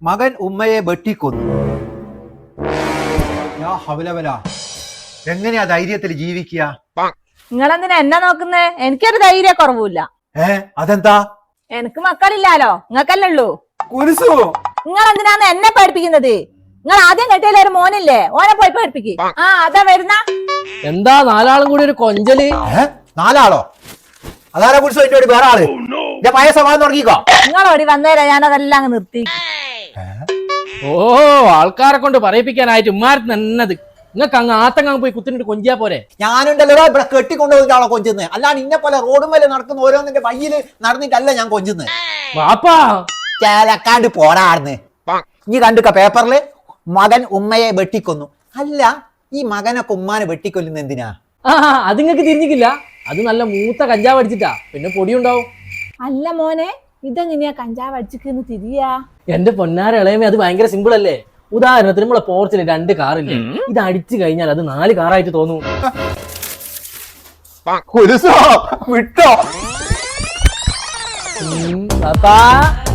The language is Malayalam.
മകൻ ഉമ്മയെ വെട്ടിക്കൊന്നു. എങ്ങനെയാ ധൈര്യത്തിൽ ജീവിക്കുക? നിങ്ങളെന്തിനാ എന്നെ നോക്കുന്നേ? എനിക്കൊരു ധൈര്യ കുറവില്ല. അതെന്താ? എനിക്ക് മക്കളില്ലാലോ, നിങ്ങൾക്കല്ലേ ഉള്ളൂ. നിങ്ങൾ എന്തിനാന്ന് എന്നെ പഠിപ്പിക്കുന്നത്? നിങ്ങൾ ആദ്യം കെട്ടിയാലേ ഒരു മോനില്ലേ, ഓനെ പോയി പഠിപ്പിക്ക്. അതാ വരുന്ന. എന്താ നാലാളും കൂടി ഒരു കൊഞ്ചല്? 4 ആളോ? അതാരാ കുറിച്ച് വേണ്ടി വേറെ ആള്? പഴയ സ്വഭാവം തുടങ്ങിക്കോ. നിങ്ങളോടി വന്നേരാ ഞാനതെല്ലാം അങ്ങ് നിർത്തി. ഓ, ആൾക്കാരെ കൊണ്ട് പറയിപ്പിക്കാനായിട്ട് ഉമ്മാരത്ത് നന്നത്. നിങ്ങൾക്ക് അങ്ങ് ആത്തങ്ങ് പോയി കുത്തിനിട്ട് കൊഞ്ചിയാ പോരെ? ഞാനുണ്ടല്ലോ ഇവിടെ കെട്ടിക്കൊണ്ടുപോയിട്ടാണോ കൊഞ്ചുന്നത്? അല്ലാണ്ട് ഇന്നെ പോലെ റോഡും മേലെ നടക്കുന്ന ഓരോന്നിന്റെ വയ്യില് നടന്നിട്ടല്ല ഞാൻ കൊഞ്ചുന്നത്. വാപ്പാ ചേലക്കാണ്ട് പോരാടുന്ന്. ഇനി കണ്ടുക്ക പേപ്പറില് മകൻ ഉമ്മയെ വെട്ടിക്കൊന്നു. അല്ല, ഈ മകനൊക്കെ ഉമ്മാനെ വെട്ടിക്കൊല്ലുന്ന എന്തിനാ? അത് നിങ്ങൾക്ക് തിരിഞ്ഞിക്കില്ല. അത് നല്ല മൂത്ത കഞ്ചാവ് അടിച്ചിട്ടാ, പിന്നെ പൊടിയുണ്ടാവും. അല്ല മോനെ, ഇതെങ്ങനെയാ കഞ്ചാവ് അടിച്ചിന്ന് തിരിയാ? എന്റെ പൊന്നാര ഇളയമേ, അത് ഭയങ്കര സിമ്പിൾ അല്ലേ? ഉദാഹരണത്തിന് നമ്മളെ പോർച്ചില് 2 കാറില്ലേ, ഇത് അടിച്ചു കഴിഞ്ഞാൽ അത് 4 കാറായിട്ട് തോന്നും. വിട്ടോ പാപ്പാ